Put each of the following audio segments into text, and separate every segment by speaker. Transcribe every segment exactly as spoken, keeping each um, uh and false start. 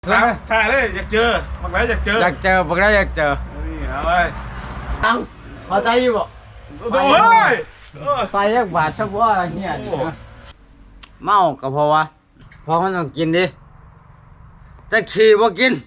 Speaker 1: ถ่ายถ่ายเลยอยากเจอบักไรอยากเจอ
Speaker 2: อยากเจอบอกได้อยากเจอ
Speaker 1: นี่เอาไป
Speaker 2: ตังพอใจอยู่บ่
Speaker 1: โอ้ยเออ
Speaker 2: ไฟแยกบาทเฉพาะเฮียเมาก็เพราะว่าเพราะมันต้องกินดิแต่ขี่บ่กิน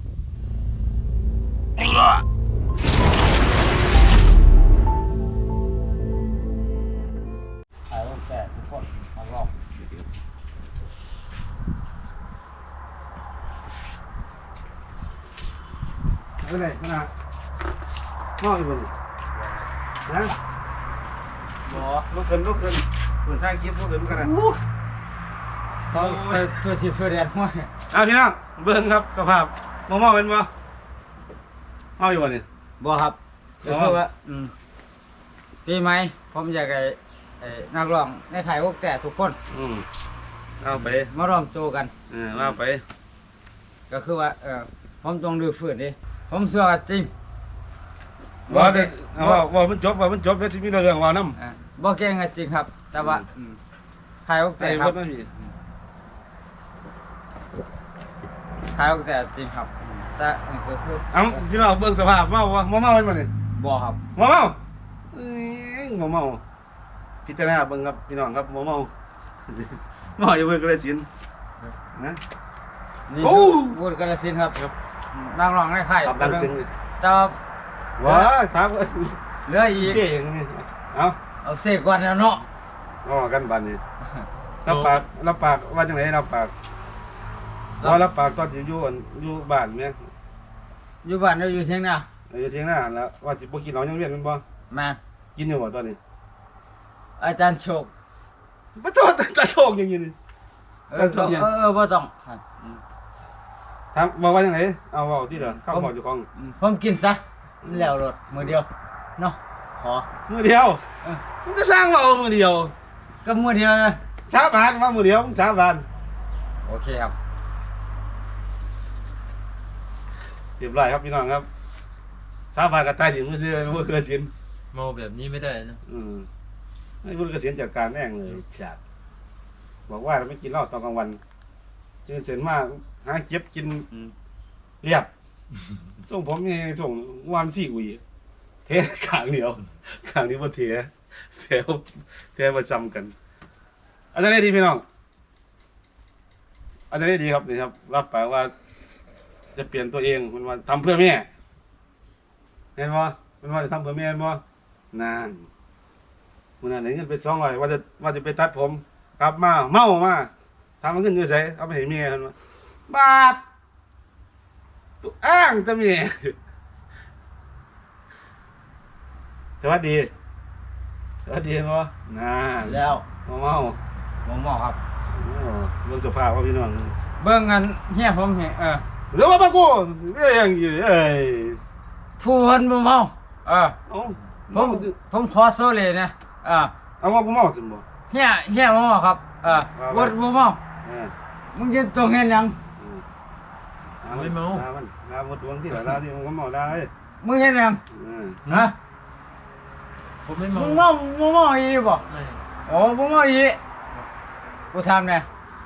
Speaker 2: ถ่ายรูปแต่ทุกคนมาลอง
Speaker 1: เอาไหนขนาดมองอีกบนนะ
Speaker 2: บ่
Speaker 1: ลุกขึ้นลุกขึ้นเปิดทางคลิปลุกขึ้นกันนะ
Speaker 2: เขาเปิดตัวที่เพื่อเรียนห้วย
Speaker 1: เอาพี่น้องเบิ่งครับสภาพมองมองเป็นบ่เมาอยู่บ่นี่
Speaker 2: บ่ครับก็คือว่าอืมปีใหม่ผมอยากให้ไอ้นักร้องในไทยพวกแต่ทุกคน
Speaker 1: อืมเอาไป
Speaker 2: มารวมตัวกัน
Speaker 1: เออเอาไป
Speaker 2: ก็คือว่าเออผมต้องดื้อฝืนดิผมเชื่อว่าจริง
Speaker 1: ว่าแต่เอาว่าว่ามันจบว่ามันจบแล้วสิมีเรื่องว่านํ
Speaker 2: อ่าบ่เก่งก็จริงครับ แต่ว่าอืมไทยพวก
Speaker 1: ไอ้
Speaker 2: แต่ค
Speaker 1: ค
Speaker 2: รั
Speaker 1: น
Speaker 2: บ
Speaker 1: นั้นมี
Speaker 2: ไทยพวกแต่จริงครับ แต่อันนี้ก็คือ
Speaker 1: เอาพี่น้องเบิ่งสภาพเมาบ่เมาเป็นบ่นี่
Speaker 2: บ่ครับ
Speaker 1: เมาเมาเอ้ยเมาเมาพิจารณาเบิ่งครับพี่น้องครับเมาเมาเมาอยู่เบิ่งก็ได้สินนะ
Speaker 2: นี่
Speaker 1: โอ้
Speaker 2: คือพูดกาฬสินธุ์ครับนักร้องในไทย
Speaker 1: ตอบดังตึงเลย
Speaker 2: แต่ว่า
Speaker 1: ว้าถาม
Speaker 2: เหลืออีก
Speaker 1: เชี่ยอย่างนี้เอา
Speaker 2: เอาเสกก่อนแล้วเนาะ
Speaker 1: เอากันบัดนี้รับปากรับปากว่าจังไดรับปากว่ารับปากตอนที่อยู่อั่นอยู่บ้านแม่
Speaker 2: อยู่บ้านเราอยู่เชียงนา
Speaker 1: อยู่เถียงหน้าแล้วว่าสิบ่กินเหล้ายังเวียนแม่นบ่
Speaker 2: แม่น
Speaker 1: กินอยู่บ่ตอนนี้
Speaker 2: อาจารย์โชค
Speaker 1: บ่โทษจะโชคอย่างนี้นี่
Speaker 2: เออก็เออเออบ่ต้องอืม
Speaker 1: ถามบอกว่าจังไดเอาเว้าที่เด้อข้าวบอกอยู่ของ
Speaker 2: อืมผมกินซะมันแล้วรถมือเดียวเนาะขอ
Speaker 1: มื้อเดียว
Speaker 2: เออ
Speaker 1: มึงก็สร้างเว้ามื้อเดียว
Speaker 2: ก็มือเดียวนะ
Speaker 1: ชาบานว่ามื้อเดียวมึงชาบาน
Speaker 2: โอเคครับ
Speaker 1: เรียบร้อยครับพี่น้องครับชาบานก็ตายสิมื้อซื่อมื้อเกษียณ
Speaker 3: เมาแบบนี้ไม่ได้นะ
Speaker 1: อืมให้มื้อเกษียณจัดการแม่งเลย
Speaker 3: จัด
Speaker 1: บอกว่าเราไม่กินเหล้าตอนกลางวันตื่นเสร็จมาหาเก็บกินเรียบ ส่งผมนี่ส่งวันสี่กุยเทขางเดียวขางนี้บ่เทเทเทประจำกันอันนี้ดีพี่น้องอันนี้ดีครับนี่ครับ รับปากว่า จะเปลี่ยนตัวเองมันว่าทำเพื่อแม่เห็นบ่มันว่าจะทำเพื่อแม่เห็นบ่นานมันนั่นได้เงินไปสองร้อยว่าจะว่าจะไปตัดผมกลับมาเมามาทำมันขึ้นอยู่ไสเอาไปให้เมียเพิ่นว่าบาปตัวอ้างแต่เมีย สวัสดี สวัสดีบ่นาน
Speaker 2: แล้ว
Speaker 1: เมาเมา
Speaker 2: ผมบอกครับ
Speaker 1: โอ้เบิ่งสภาพว่าพี่น้อง
Speaker 2: เบิ่งกันเฮียผมเห็นเออ
Speaker 1: เดี๋ยวว่ามากูเอ้ยยังอยู่เอ้ย
Speaker 2: ผู้เพิ่นบ่เมาเออ
Speaker 1: เอ้า
Speaker 2: ผมผมขอโซเลยนะเออ
Speaker 1: เอาว่ากูเมาสิบ่
Speaker 2: เฮียเฮียบ่เมาครับเออบ่บ่เมา
Speaker 1: เออ
Speaker 2: มึงยืนตรงเห็นหยัง
Speaker 3: ไม่เมา
Speaker 1: ลามันลาหมดดวงที่ละลาที่มันก็เมาได้
Speaker 2: มึงเห็นหยัง
Speaker 1: เออ
Speaker 2: ฮะ
Speaker 3: ผมไม่เมา
Speaker 2: มึงเมามึงเมาอีบ่
Speaker 3: ไม่
Speaker 2: โอ้มึงเมาอีกูถามแน่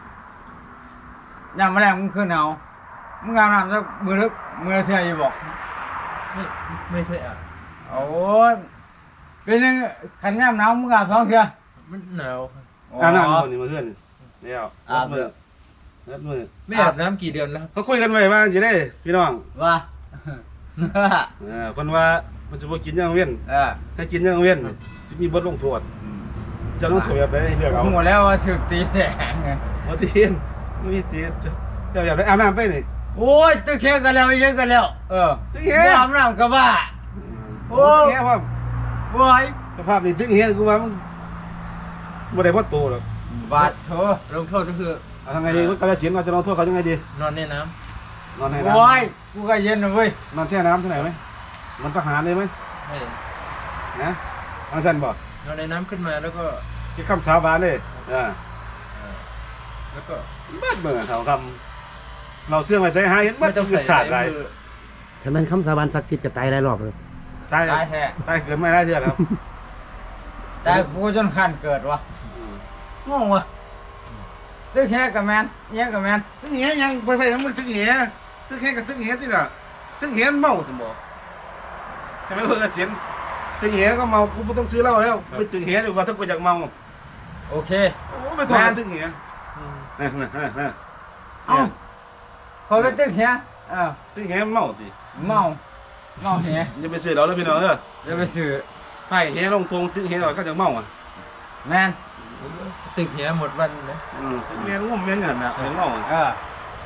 Speaker 2: ยามมาแรงมึงขึ้นเอามึงอาบน้ำสักมื้อนึกมื้อละเทื่ออยู่บ่
Speaker 3: ไม่ไม่เคยอ่ะ
Speaker 2: โอ้ยเป็นยังขันยามหนาวมึงอาบสองเทื่อ
Speaker 3: มันหนาวครับ
Speaker 1: อาบน้ำคนนี่มาเพื่อนแล้ว
Speaker 2: อาบ
Speaker 1: มือนัดมือ
Speaker 3: ไม่อาบน้ำกี่เดือนแล้วครับ
Speaker 1: เขาคุยกันไว้ว่าสิได้พี่น้อง
Speaker 2: ว่า
Speaker 1: เออเพิ่นว่ามันจะบ่กินยังเว้น
Speaker 2: เออ
Speaker 1: ถ้ากินยังเว้นจะมีบทลงโทษจะลงโทษแบบใดให้เลือกเอา
Speaker 2: หมดแล้วว่าถึกตีแดง
Speaker 1: บ่ตีนบ่มีตีนเจ้าอยากได้อาบน้ำไปนี่
Speaker 2: โอ้ยตึกเช็คกันแล้วเยอะกันแล้ว เออ
Speaker 1: ตึกเฮ็
Speaker 2: บ่อาบน้ำก็บ้า โอ้
Speaker 1: โอ้แค่ว่า
Speaker 2: โอ้ย
Speaker 1: สภาพนี่ตึกเฮ็ดกูว่ามันบ่ได้พอโตหรอก
Speaker 2: บาดโถ
Speaker 3: ลงโทษก็คือ
Speaker 1: เอาทำไงดีมันกระเสียนเราจะลงโทษเขายังไงดี
Speaker 3: นอนในน้
Speaker 1: นอนในน้ำ
Speaker 2: โอ้ยกูก็เย็นนะเว้ย
Speaker 1: นอนแช่น้ำที่ไหนไหมมันทหารเลยไหม
Speaker 3: ำไม่
Speaker 1: นะอันสั้นบอก
Speaker 3: นอนในน้ำขึ้นมาแล้วก็
Speaker 1: คิดคำสาบานเลยอ่า
Speaker 3: เอ่อแล้วก็
Speaker 1: บ้านเมืองเขาคำเราเสื่อมไปใช้หาเห็นบ้า
Speaker 3: ไม่
Speaker 1: น
Speaker 3: ต้อง
Speaker 1: เกิ
Speaker 3: ใส่
Speaker 1: ดชาติไร
Speaker 3: ในมือ
Speaker 4: ถ้ามันคำสาบานศักดิ์สิทธิ์ก็ตายหลายรอบเลย
Speaker 1: ตาย
Speaker 2: ตายแท้
Speaker 1: ตายเกิดไม่ได้เชื่อครับ
Speaker 2: ตายกูจนขั้นเกิดวะ
Speaker 1: อืม
Speaker 2: งงวะตึกแฮกับแมนเนี้ยกับแมน
Speaker 1: ตึกเหี้ยยังไปไปมันตึกเหี้ยตึกเหี้ยกับตึกเหี้ยที่ละตึกเหี้ยเมาสมบ่ใช่ไหมเพื่อนเจนตึกเหี้ยก็เมากูไม่ต้องซื้อเหล้าแล้วไปตึกเหี้ยดีกว่าถ้ากูอยากเมา
Speaker 2: โอเค
Speaker 1: โอ้ไม่ต้องตึกเหี้ยนะนะนะ
Speaker 2: เอ้าพอไปตึกแฮเออ
Speaker 1: ตึกเหี้ยเมาสิ
Speaker 2: เมาเมาแฮ
Speaker 1: อย่าไปซื้อเราแล้วพี่น้องเด้อ
Speaker 2: จะไปซื้อ
Speaker 1: ไผ่เหี้ยลงทงตึกเหี้ยเราก็จะเมาอ่ะ
Speaker 2: แมน
Speaker 3: ตึกเหียหมดวันนะ
Speaker 1: อืมตึกเหี้ยงุ่มเงี้ยเนี่ยนะเห็นเมาอ่ะ
Speaker 2: เออ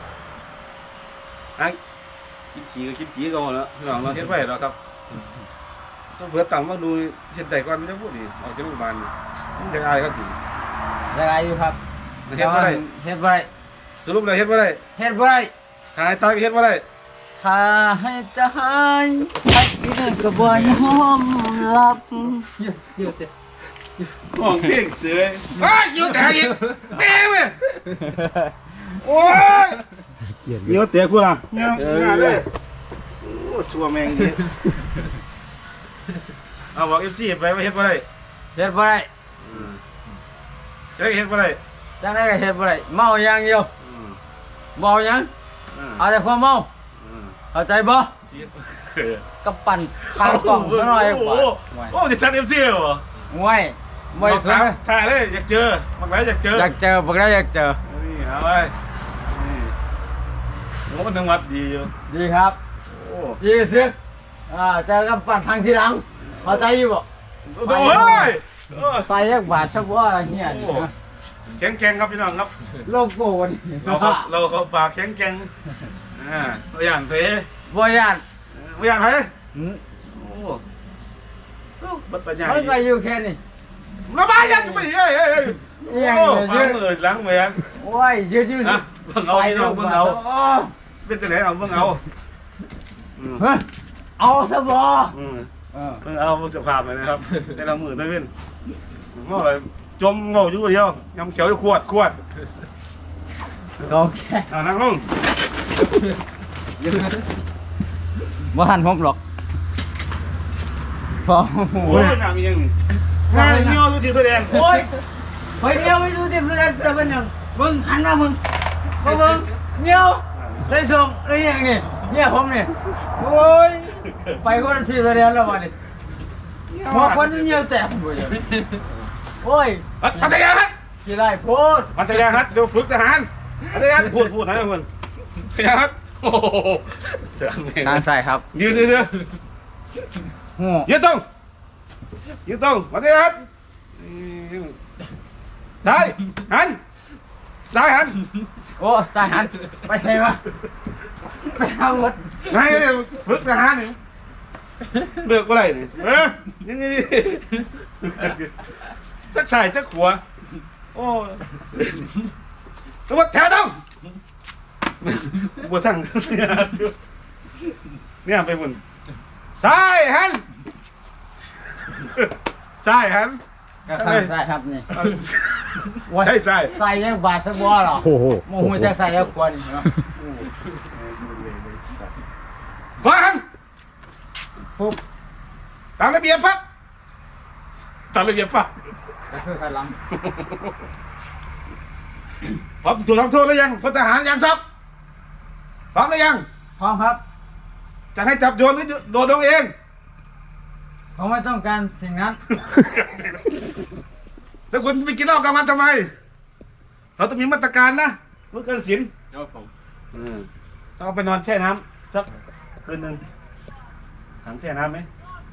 Speaker 1: อ่ะคิดขี่ก็คิดขี่ก็หมดแล้วพี่น้องเราเฮ็ดไว้แล้วครับต้องเผื่อตังค์มาดูเฮ็ดได้ก่อนมันจะพูดดีออกจากโรงพยาบาลมันจะอายเขาจริง
Speaker 2: ยังไงอยู่ครับ
Speaker 1: เฮ็ดบ่ได้
Speaker 2: เฮ็ดบ่ได้
Speaker 1: สรุปแล้วเฮ็ดบ่ได้
Speaker 2: เฮ็ดบ่ได้
Speaker 1: หายตายเฮ็ดบ่ได้
Speaker 2: ถ้าให้ตายไอ้นี่ก็บ่ยอมรับ
Speaker 3: เยอะเยอะเต็ม
Speaker 1: ห้องเพลงเสืออ้ายอยู่แต่อีกแม่เว้ยโอ้ย
Speaker 4: เกลียด
Speaker 1: เดี๋ยวเตะกูล่ะเงี้ยงานเลยโอ้ชัวแมงดิเอาบอก เอฟ ซี ไปว่าเฮ็ดบ่ได้
Speaker 2: เฮ็ดบ่ได้
Speaker 1: อืมเฮ็ดเฮ็ดบ่ได้
Speaker 2: จังได๋ก็เฮ็ดบ่ได้เมาอย่างเดียว
Speaker 1: อืม
Speaker 2: เมาหยัง
Speaker 1: อืม
Speaker 2: เอาแต่ความเมา
Speaker 1: อืม
Speaker 2: เข้าใจบ่กับปั่นทางกล่องซะหน่อย
Speaker 1: โอ้
Speaker 2: กว่า
Speaker 1: โหโอ้สิซัน เอฟ ซี เหรอ
Speaker 2: ห่วยบ่ได้สนเลย
Speaker 1: ถ่ายเลยอยากเจอมักไหลอยากเจอ
Speaker 2: อยากเจอบ่ได้อยากเจอ
Speaker 1: นี่เอาไปนี่โอ้มันจังหวัดดีอยู่
Speaker 2: ดีครับ
Speaker 1: โอ้
Speaker 2: ดีซึกอ่าเจอกับปั่นทางทีหลังเข้าใจอยู่บ่
Speaker 1: โอ้ยเออ
Speaker 2: ไฟยักบาทซะบ่เฮีย
Speaker 1: โอ้แข็งแกร่งครับพี่น้องครับ
Speaker 2: โลโก้นี่
Speaker 1: เราเขาเราเขาปากแข็งแกร่งอ่าตัวอย่างเตะ
Speaker 2: บ่ย่าน
Speaker 1: ตัวอย่างไผ
Speaker 2: หืม
Speaker 1: โอ้บัดปัญญา
Speaker 2: มันก็อยู่แค่นี้
Speaker 1: ระบายยังจะไปเฮ้ยเฮ้ยเฮ้ย
Speaker 2: อิหยัง
Speaker 1: โอ้
Speaker 2: เนี่ย
Speaker 1: ฟังเลยล้างแหวน
Speaker 2: โอ้ยยืดยืด
Speaker 1: อ่ะเบิ่งเอาพี่น้องเบิ่งเอา
Speaker 2: โอ้
Speaker 1: เป็นตัวไหนเอาเบิ่งเอาอืม
Speaker 2: เฮ้ยเอาซะบ่
Speaker 1: อืม
Speaker 2: เออ
Speaker 1: เบิ่งเอาเบิ่งจะภาพไปนะครับแต่ละมือได้เว้นเมื่อไหร่จมเงาอยู่เดียวยำเขียวอยู่ขวดขวด
Speaker 2: โอเค
Speaker 1: อ่านั่งลง
Speaker 2: บ่ทันผมหรอกพอ
Speaker 1: โอ้ยหน้ามียังนี่หน้าเงี้ยวดูทีแสดง
Speaker 2: โอ้ยไปเดียวไปดูที่เพื่อนจะเป็นหยังมึงหันมามึงมามึงเงี้ยวได้ส่งได้ยังนี่เนี่ยผมนี่โอ้ยไปคนละทีไปเรียนแล้ววันนี้หัวคนเงี้ยวแตกหมดเลยโอ้ย
Speaker 1: พัทยาฮัท
Speaker 2: กี่ไรพูด
Speaker 1: พัทยาฮัทเดี๋ยวฝึกทหารพัทยาฮัทพูดพูดให้คนพัทยาฮัทโอ้โหเจ๋งเลย
Speaker 2: ทางใส่ครับ
Speaker 1: ยืนยืนยืน
Speaker 2: หัว
Speaker 1: ยืนตรงยืนตรงพัทยาฮัทซ้ายหันซ้ายหัน
Speaker 2: โอ้ใส่หันไปใช่ไหมไปเอาหมด
Speaker 1: ไงฝึกทหารนี่เลือกอะไรนี่เออยังไงจักใส่จักขัวโอ้ตัวแถวต้องบัวทั้งเนี่ยไปบุญซ้ายหันซ้ายหัน
Speaker 2: ก็ข้างใส่ครับนี่
Speaker 1: ใช่ใช่
Speaker 2: ใส่ยังบาดสักบัวหรอ
Speaker 4: โอ้โห
Speaker 2: โมโหจะใส่ยังกวนเนาะ
Speaker 1: ขวาหัน
Speaker 2: ปุ๊บ
Speaker 1: ตามระเบียบปั๊บตามระเบียบปั๊บ
Speaker 2: ก็คือขันหลัง
Speaker 1: พร้อมถูกทำโทษหรือยังพลทหารยังครับพร้อมหรือยัง
Speaker 2: พร้อมครับ
Speaker 1: จะให้จับโยนหรือโดนลงเอง
Speaker 2: ผมไม่ต้องการสิ่งนั้น
Speaker 1: แล้วคุณไปกินเหล้ากลางวันทำไม เราต้องมีมาตรการนะเมื่อเกินศีล
Speaker 3: ครับผม
Speaker 1: ต้องเอาไปนอนแช่น้ำสักคืนหนึ่งถังแช่น้ำไหม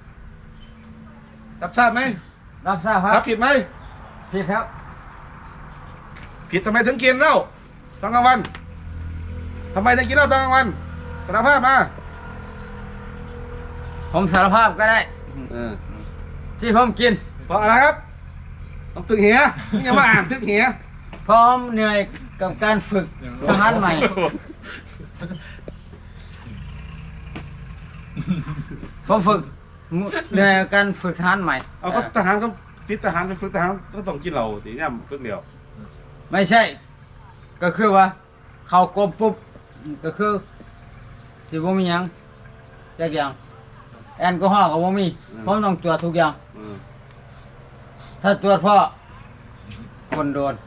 Speaker 1: รับทราบไหม
Speaker 2: รับทราบครั
Speaker 1: รับ บผิดไหม
Speaker 2: ผิดครับ
Speaker 1: ผิดทำไมถึงกินเหล้าตอนกลางวันทำไมถึงกินเหล้าตอนกลางวันสารภาพมา
Speaker 2: ผมสารภาพก็ได้ ที่ผมกิน
Speaker 1: เพราะอะไรครับต้องตึกเหียนี่ยังมาอ่านตึกเหีย
Speaker 2: พร้อมเหนื่อยกับการฝึกทหารใหม่ ผมฝึกเหนื่อยกับการฝึกทหารใหม่
Speaker 1: เอาก็ทหารก็ติดทหารไปฝึกทหารก็ต้องกินเหล้าตีเนี่ยฝึกเดียว
Speaker 2: ไม่ใช่ ก็คือว่า เข้ากรมปุ๊บก็คือที่บ่มีหยังจักอย่างแอลกอฮอล์ก็บ่มีผมต้องตรวจทุกอย่าง
Speaker 1: อืม
Speaker 2: ถ้าตรวจเพราะคนโดน
Speaker 1: อืม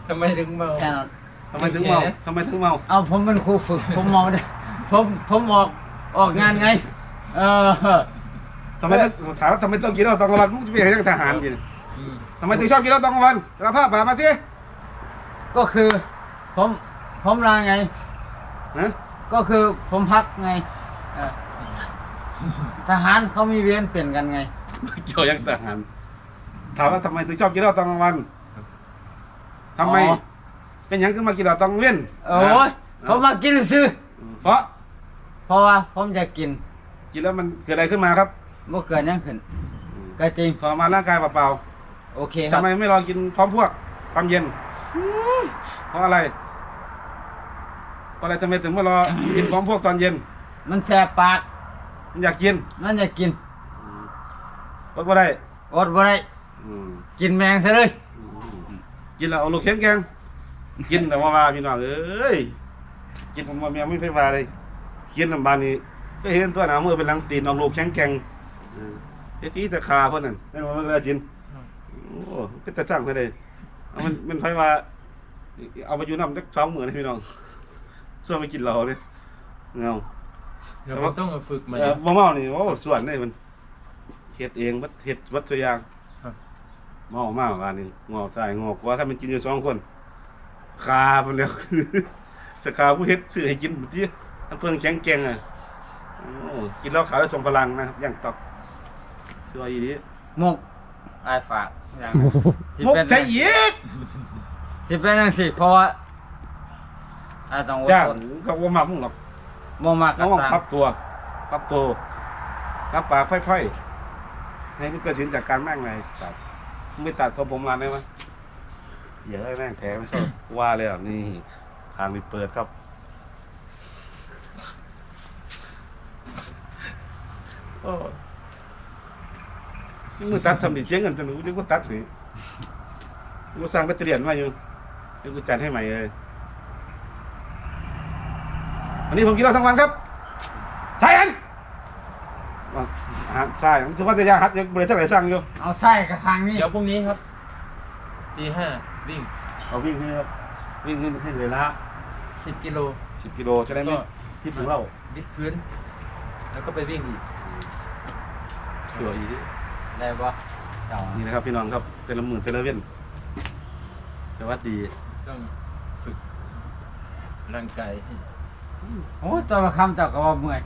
Speaker 3: ทำไมถึงเมา
Speaker 2: แค่นั้น
Speaker 1: ทำไมถึงเมาทำไมถึงเมา
Speaker 2: เอาผมเป็นครูฝึก ผมเมาได้ผมผมออกออกงานไง เออ
Speaker 1: ทำไมต้องถามว่าทำไมต้องกินเหล้าตอนกลางวันมึงจะไปยังทหารกิน
Speaker 3: อืม
Speaker 1: ทำไมถึงชอบกินเหล้าตอนกลางวันสารภาพมามาสิ
Speaker 2: ก็คือ ผมผมลาไง
Speaker 1: นะ
Speaker 2: ก็คือผมพักไงเออทหารเขามีเวรเปลี่ยนกันไง
Speaker 1: เกี่ยวยังทหารถามว่าทำไมถึงชอบกินเหล้าตอนกลางวันทำไม
Speaker 2: อ๋อ
Speaker 1: เป็นหยังถึงมากินเหล้าตอนกลางเว้น
Speaker 2: โอ้ยผมมากินซื้อ
Speaker 1: เพราะ
Speaker 2: เพราะว่าผมจะกิน
Speaker 1: กินแล้วมันเกิดอะไรขึ้นมาครับ
Speaker 2: เมื่อเกิดยังขึ้นก็จริง
Speaker 1: ทรมานร่างกายเปล่า
Speaker 2: โอเค
Speaker 1: ๆ
Speaker 2: ครั
Speaker 1: ทำ
Speaker 2: บ
Speaker 1: ไมไม่รอกินพร้อมพวกความเย็นเพราะอะไรเพราะอะไรทำไมถึงไม่รอกินพร้อมพวกตอนเย็น
Speaker 2: มันแสบปาก
Speaker 1: มันอยากกิน
Speaker 2: มันจะกิน
Speaker 1: อดบ่ได้
Speaker 2: อดบ่ได้
Speaker 1: อืม
Speaker 2: กินแมงซะเลย
Speaker 1: กินแล้วเอาลูกแข็งแกงกินแต่ว่ามาพี่น้องเอ้ยกินผมว่าเมียไม่ไปว่าเลยกินน้ำบานนี้ก็เห็นตัวหนามือเป็นหลังตีนเอาลูกแข็งแกงเออไอ้ตีตะคาเพิ่นนั่นนั่นว่ามันเลยจินโอ้ก็จะจ้างไปเลยเอามันมันไผว่าเอาไปอยู่น้ำจักสองหมื่นให้พี่น้องส่วนไปกินเราเลยเงา
Speaker 3: เดี๋ยวผมต้องมาฝึกใหม่
Speaker 1: เออบ่เมานี่โอ้ส่วนนี่มันเฮ็ดเองบัดเฮ็ดบัดตัวอย่าง
Speaker 3: ครับ
Speaker 1: เมามากว่านี่งอกใส่งอกว่าถ้ามันกินอยู่สองคนคาเพิ่นแล้ว สกาผู้เฮ็ดซื้อให้กินบ่ติอันเพิ่นแข็งแกร่งอ่ะโอ้กินแล้วขาวแล้วทรงพลังนะครับอย่างตอกสวยอีดี
Speaker 2: มุกอายฝากอย่างสิ
Speaker 1: มุก
Speaker 2: เป็น
Speaker 1: ใช่อีก
Speaker 2: สิเป็นจังซี่เพราะว่าอายต้องอด
Speaker 1: ย่าง
Speaker 2: ทน
Speaker 1: ก็บ่มักมึงหรอก
Speaker 2: บ่มากก็
Speaker 1: น้อง
Speaker 2: สร้าง
Speaker 1: ปรับตัวปรับตัวรับปากค่อยๆให้มันเกิดสินจากการแม่งเลยครับมึงไปตัดผมผมร้านได้มั้ยอย่าให้แม่งแถไม่ชอบว่าเลยอ่ะนี่ทางนี้เปิดครับโอ้นี่มึงตัดทำดิเสียเงินจะหนูเดี๋ยวกูตัดหรือกูสร้างแบตเตอรี่มาอยู่เดี๋ยวกูจัดให้ใหม่เลยวันนี้ผมกินเหล้าทั้งวันครับใช่อันว่าอาหารใช่ถือว่าจะยากฮัดยังบริษัทไหนสร้างอยู่
Speaker 2: เอาไส้กับทางนี้
Speaker 3: เดี๋ยวพรุ่งนี้ครับตีห้าวิ่ง
Speaker 1: เอาวิ่งขึ้นครับวิ่งขึ้นให้เลยละ
Speaker 3: สิบกิโล
Speaker 1: สิบกิโลจะได้ไม่
Speaker 3: ก็
Speaker 1: ทิพย์ถึงเหล้า
Speaker 3: วิดพื้น แล้วก็ไปวิ่งอีก
Speaker 1: สวยอีก
Speaker 2: ได้บ่เจ้า
Speaker 1: นี่นะครับพี่น้องครับเตละหมื่นเตละเว้นสวัสดี
Speaker 3: ต้องฝึกร่างกายให้
Speaker 2: โอ้ยตัวละคำเจ้าก็ว่าเมื่อย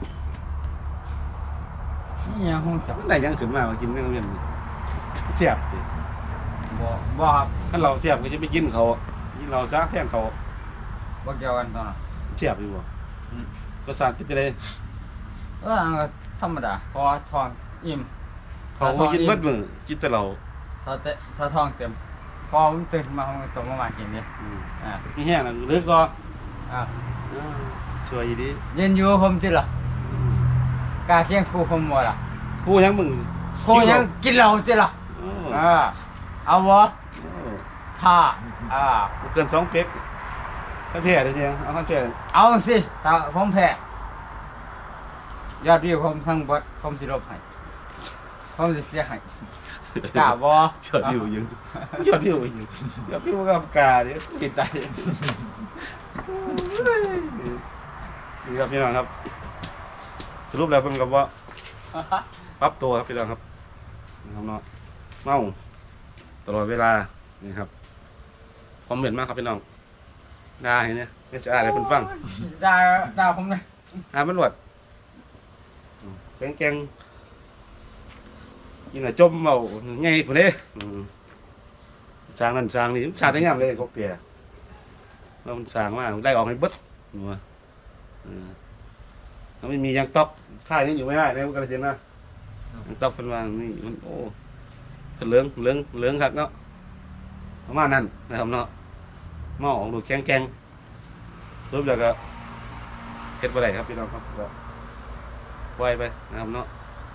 Speaker 2: นี่ยังคงจับ
Speaker 1: ไหนยังขึ้นมามากินเตละเว้นเสียบดิ
Speaker 2: บ่บ่ครับ
Speaker 1: ถ้าเราเสียบก็จะไปกินเขากินเราซะแทนเขา
Speaker 2: บ่เกี่ยวกันตอนนั้น
Speaker 1: เสียบอยู่บ่รสชาติเป็นจะได้
Speaker 2: เอออันก็ธรรมดาพอทองอิ่ม
Speaker 1: เขาบ่กินเบิดมื้อกินแต่เรา
Speaker 2: ถ้าเตะถ้าทองเต็มพอผมตื่นมาผมก็ตกมามากินนี่
Speaker 1: อืม
Speaker 2: อ่า
Speaker 1: มีแห้งน่ะหรือก็
Speaker 2: อ่า
Speaker 1: อ่าสวยอีดี
Speaker 2: เย็นอยู่ผมติล่ะกล้าเคียงครูผมบ่ล่ะ
Speaker 1: ครูยังมึง
Speaker 2: ครูยังกินเหล้าติล่ะ
Speaker 1: โอ้
Speaker 2: อ่าเอาบ่
Speaker 1: โอ้
Speaker 2: ถ้าอ่า
Speaker 1: บ่เกินสองเป๊กท่านแพ้เด้อเสียงเอาท่านแพ้
Speaker 2: เอาสิถ้าผมแพ้ยอดวิวผมทั้งเบิดผมสิลบให้ผมสิเสียให้กล้าบ่
Speaker 1: ยอดวิวยังยอดวิวยังยอดวิวกับกาเนี่ยติดตายนี่ครับพี่น้องครับ สรุปแล้วเป็นกับว่าปรับตัวครับพี่น้องครับนะครับเนาะเมาตลอดเวลานี่ครับความเหม็นมากครับพี่น้องด่าเห็นเนี่ยไม่จะอ่านให้เพิ่นฟัง
Speaker 2: ด่าด่าผมเลย
Speaker 1: อ่านมันหวดแกงแกงยิงอะจมเมาไงผู้เด้อืมสร้างนั่นสร้างนี่สร้างได้งามเลยกบเปียแล้วมันสร้างมาได้ออกให้เบิดหัวเออแล้วไม่มียางตอกค่ายยังอยู่ไม่ได้ในวงการเจนนะยางตอกเป็นว่านี่มันโอ้เป็นเหลืองเหลืองเหลืองครับเนาะประมาณนั้นนะครับเนาะหม้อของดูแข็งแกงสรุปแล้วก็เฮ็ดบ่ได้ครับพี่น้องครับก็ปล่อยไปนะครับเนาะ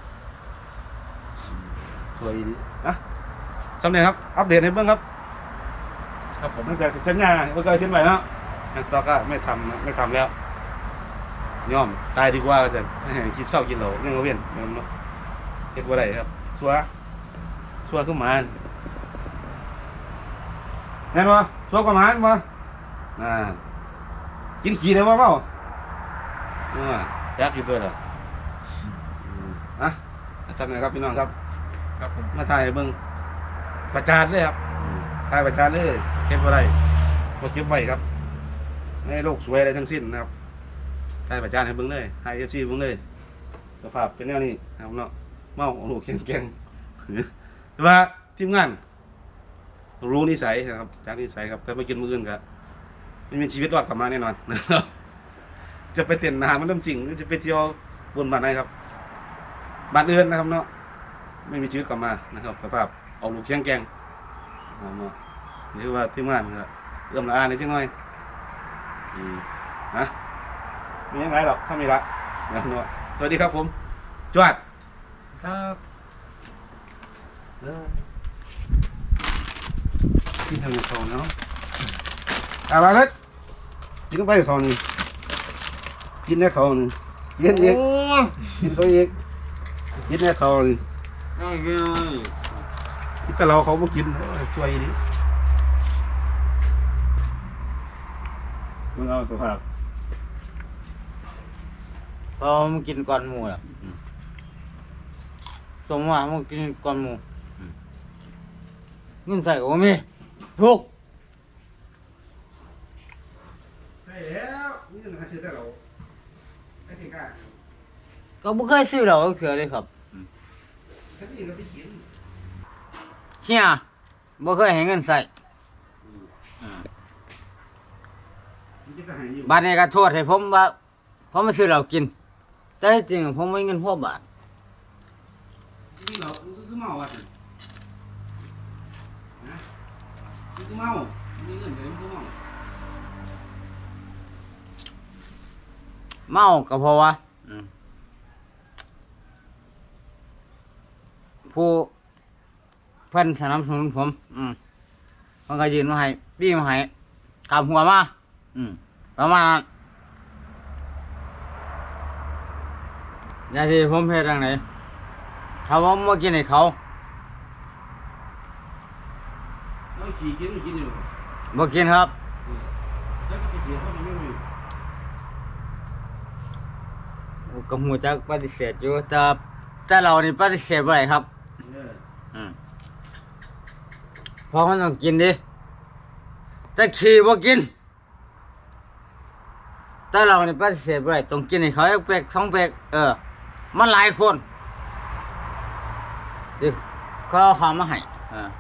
Speaker 1: สวยดีนะสำเร็จครับอัปเดตให้เบิ่งครับ
Speaker 3: ครับผม
Speaker 1: ตั้งแต่สัญญาเมื่อกี้เช่นไรเนาะยางตอกก็ไม่ทำนะไม่ทำแล้วยอมตายดีกว่าจะกินเศร้ากินเหล้าเรื่องเวียนเนาะเฮ็ดบ่ได้ครับชัวชัวขึ้นมาแน่นบ่ชตัวประมาณบ่อ่ากินขี้ได้บ่เมาเออจักอยู่ตัวละอืมอ่ะจัดหน่อยครับพี่น้องครับ
Speaker 3: ครับผม
Speaker 1: มาถ่ายให้เบิ่งประจานเลยครับอืมถ่ายประจานเลยเก็บบ่ได้บ่เก็บไว้ครับในโลกสวยอะไรทั้งสิ้นนะครับถ่ายประจานให้เบิ่งเลยให้ เอฟ ซี เบิ่งเลยสภาพเป็นแนวนี้นะครับเนาะเมาโอ้โหแข็งๆแต่ว่าทีมงานรู้นิสัยนะครับจากนิสัยครับแต่ไปกินมื้ออื่นก็ไม่มีชีวิตรอดกลับมาแน่นอนนะครับ จะไปเต้นอาหารมันเริ่มจริงหรือจะไปเที่ยวบนบ้านไหนครับบ้านอื่นนะครับเนาะไม่มีชีวิตกลับมานะครับ สภาพเอาลูกเคียงแกงนะครับเนาะนี่คือว่าทีมงานก็เอื้อมละอาในจังหน่อยอืมนะมียังไงหรอกซ้ำนี่ละนะครับเนาะสวัสดีครับผมจวด
Speaker 3: ครับ
Speaker 1: เออกินทางนี้เขาเนาะเอาละครับกินเข้าไปเขานี่กินแน่เขานี่กินอีก
Speaker 2: โอ้ย
Speaker 1: กินเขาอีกกินแน่เขานี่
Speaker 2: เอาเงี้ย
Speaker 1: กินแต่เราเขาบ่กินโอ้ยสวยดีมึงเอาสุภาพ
Speaker 2: พอมึงกินก่อนหมูล่ะสมว่ามึงกินก่อนหมูเงินใส่ก็บ่มีทุก
Speaker 1: ใช่แล้วนี่มันหาซื้อแต่เราไอ้ที่กล้า
Speaker 2: ก็บ่เคยซื้อเราเขือเลยครับ
Speaker 1: ฉันนี่ก็ไปกิน
Speaker 2: เฮียบ่เคยให้เงินใส่
Speaker 1: มันจะหายอยู่
Speaker 2: บาดนี้ก็โทษให้ผมว่าผมมาซื้อเรากิน แต่ที่จริงผมไม่มีเงินพอบาท
Speaker 1: นี่เรามันคือเมาอ่ะสินะมันคือเมามีเงินเดี๋ยวมันคือเมา
Speaker 2: เมาก็เพราะว่าอืมผู้เพิ่นสนับสนุนผม อืมเพิ่นก็ยืนมาให้บี้มาให้กำหัวมาอืมประมาณนั้นอย่าที่ผมเฮ็ดจังไดถ้าผมบ่กินให้เขา
Speaker 1: แล้วขี่กินไม่กินอยู่
Speaker 2: บ่กินครับ
Speaker 1: แล้วก็ไปเถียงเขาไม่มี
Speaker 2: ก็หูจักปฏิเสธอยู่แต่แต่เรานี่ปฏิเสธบ่ได้ครับ
Speaker 1: เออ
Speaker 2: อืมเพราะมันต้องกินดิแต่ขี่บ่กิน แต่เรานี่ปฏิเสธบ่ได้ต้องกินให้เขาอีกเปกสองเปกเออ มันหลายคนที่เขาเอาข้าวมาให้เออ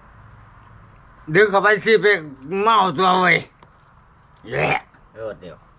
Speaker 2: ดึกเข้าไปสิเปกเมาตัวเว้ยแหละเออเดี๋ยว